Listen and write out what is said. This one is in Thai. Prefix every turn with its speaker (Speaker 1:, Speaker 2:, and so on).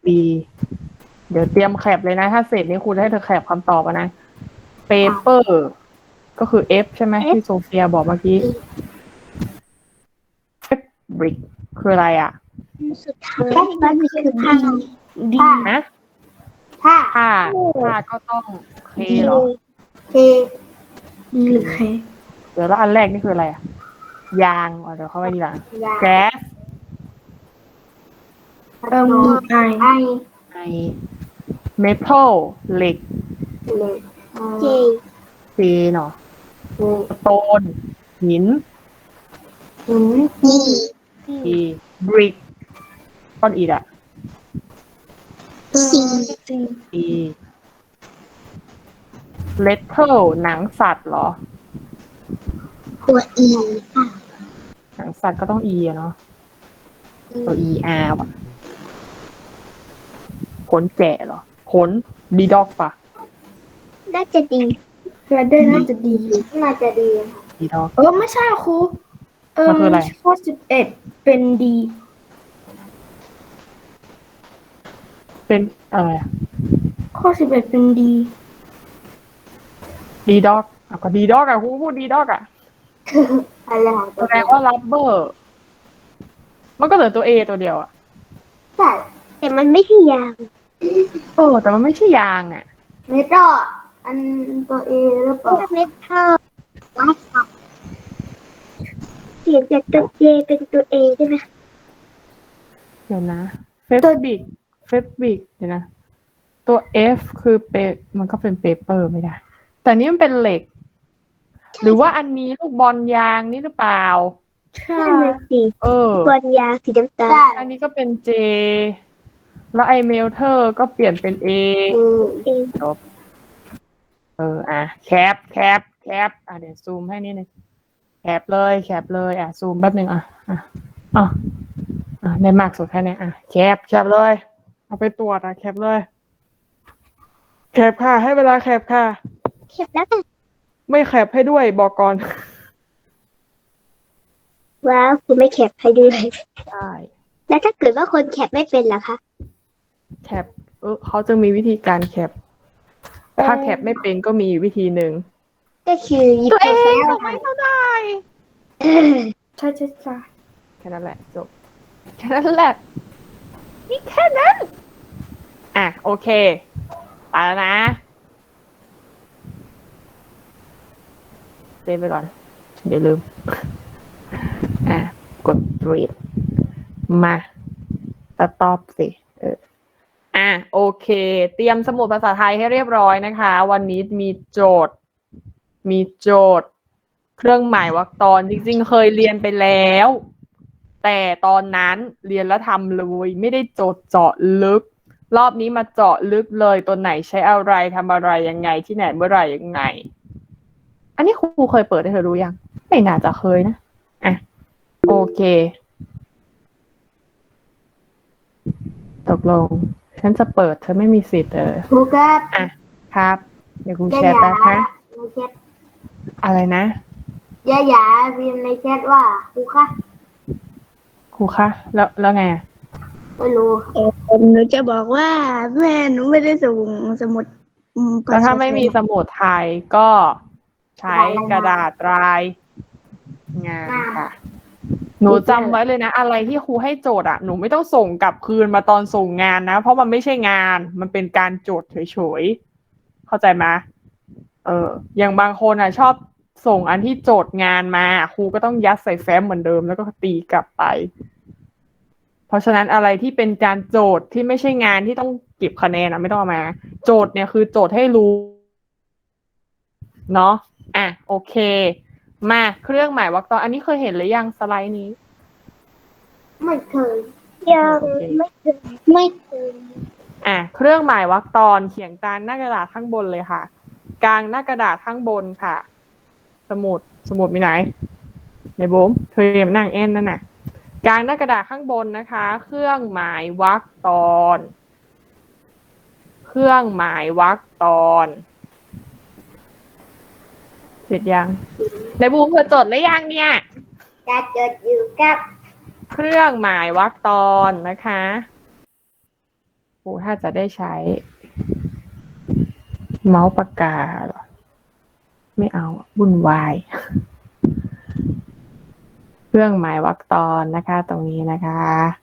Speaker 1: เดี๋ยวเตรียมแคปเลยนะถ้าเสร็จนี้ครูจะให้เธอแคปคำตอบนะ paper ก็คือ F ใช่ไหมที่โซเฟียบอกเมื่อกี้ fabric คืออะไรอ่ะ
Speaker 2: สุดท้ายมันคือผ้าดี
Speaker 1: นะ
Speaker 2: ผ้า
Speaker 1: ก็ต้องเคเหรอ
Speaker 2: ดีหรือเค
Speaker 1: เดี๋ยวแล้วอันแรกนี่คืออะไรอ่ะยางเดี๋ยวเข้าไปทีหลังแก๊สไอเมทัลเหล็กเจเนาะสโตนหินอีบริกก้อนอิฐอะอีเลตเทิลหนังสัตว์เหรอ
Speaker 2: ตัวอี
Speaker 1: หนังสัตว์ก็ต้องอีอะเนาะตัวอีอาร์ว่ะขนแกะเหรอขนดีด็อกปะ
Speaker 2: น่าจะดีน่าจะดี
Speaker 1: ดีด็อก
Speaker 2: ไม่ใช่ครู
Speaker 1: มันคืออะไร
Speaker 2: ข้อ11เป็นดี
Speaker 1: เป็นอะไร
Speaker 2: ข้อ11เป็นดี
Speaker 1: ด็อกก็ดีด็อกอะครูพูดดีด็อกอะแสดงว่ารับเบอร์มันก็เหลือตัว A ตัวเดียวอะ
Speaker 2: ใช่แต่มันไม่ใช่ยาง
Speaker 1: แต่มันไม่ใช่ยางอะ
Speaker 2: เมทัลอันตัวเอหรือเปล่าเมทัลเปลี่ยนจากตัวเอเป็นตัวเอได้ไหม
Speaker 1: เดี๋ยวนะเฟบิกเดี๋ยวนะตัว F คือมันก็เป็นเปเปอร์ไม่ได้แต่นี่มันเป็นเหล็กหรือว่าอันนี้ลูกบอลยางนี่หรือเปล่า
Speaker 2: ใช่สิบอลยางสีน้ำตาล
Speaker 1: อันนี้ก็เป็น J แล้วไอเมลเทอร์ก็เปลี่ยนเป็น A จบแคปเดี๋ยวซูมให้นิดนึงแคปเลยซูมแป๊บนึงได้มากสุดแค่นี้แคปเลยเอาไปตรวจแคปเลยแคปค่ะให้เวลาแคปค่ะ
Speaker 2: แคปแล้วกัน
Speaker 1: ไม่แคปให้ด้วยบอกก่อน
Speaker 2: ว้าวคุณไม่แคปให้ด้วย
Speaker 1: ใช่
Speaker 2: แล้วถ้าเกิดว่าคนแคปไม่เป็นล่ะคะ
Speaker 1: แคปเขาจะมีวิธีการแคปถ้าแคปไม่เป็นก็มีวิธีหนึ่ง
Speaker 2: ก็คือ
Speaker 1: ตัวเองส่งไม่เท่าได้
Speaker 2: ใช่
Speaker 1: แค่นั้นแหละจบแค่นั้นแหละนี่แค่นั้นโอเคไปแล้วนะเซฟไปก่อนเดี๋ยวลืมกด read มาตอบสิโอเคเตรียมสมุดภาษาไทยให้เรียบร้อยนะคะวันนี้มีโจทย์เครื่องหมายวรรคตอนจริงๆเคยเรียนไปแล้วแต่ตอนนั้นเรียนแล้วทำเลยไม่ได้โจทย์เจาะลึกรอบนี้มาเจาะลึกเลยตัวไหนใช้อะไรทำอะไรยังไงที่ไหนเมื่อไหร่ยังไงอันนี้ครูเคยเปิดให้เธอรู้ยังไม่น่าจะเคยนะโอเคตกลงฉันจะเปิดเธอไม่มีสิทธิ์
Speaker 2: ครูครับ
Speaker 1: ครับเดี๋ยวครูแชร์แป๊บนะอะไรนะ
Speaker 2: อย่าเรียนในแชทว่าครู
Speaker 1: คะแล้วไง
Speaker 2: ไม่รู้หนูจะบอกว่าแม่หนูไม่ได้ส่งสมุด
Speaker 1: แล้วถ้าไม่มีสมุดไทยก็ใช้กระดาษลายงานค่ะหนูจำไว้เลยนะอะไรที่ครูให้โจทย์หนูไม่ต้องส่งกลับคืนมาตอนส่งงานนะเพราะมันไม่ใช่งานมันเป็นการโจทย์เฉยๆเข้าใจไหมอย่างบางคนชอบส่งอันที่โจทย์งานมาครูก็ต้องยัดใส่แฟ้มเหมือนเดิมแล้วก็ตีกลับไปเพราะฉะนั้นอะไรที่เป็นการโจทย์ที่ไม่ใช่งานที่ต้องเก็บคะแนนไม่ต้องเอามาโจทย์เนี่ยคือโจทย์ให้รู้เนาะโอเคมาเครื่องหมายวรรคตอนอันนี้เคยเห็นหรือยังสไลด์นี้
Speaker 2: ไม่เคยยังไม่เคย
Speaker 1: เครื่องหมายวรรคตอนเขียนกลางหน้ากระดาษข้างบนเลยค่ะกลางหน้ากระดาษข้างบนค่ะสมุดมีไหนในโบมเธอเรียนนั่งเอ็นนั่นน่ะกลางหน้ากระดาษข้างบนนะคะเครื่องหมายวรรคตอนเครื่องหมายวรรคตอนเสร็จยังในบูมเธอจดหรือยังเนี่ย
Speaker 2: จะจดอยู่กับ
Speaker 1: เครื่องหมายวรรคตอนนะคะครูรูถ้าจะได้ใช้ เมาส์ปากกาเหรอไม่เอาวุ่นวาย เครื่องหมายวรรคตอนนะคะ ตรงนี้นะคะ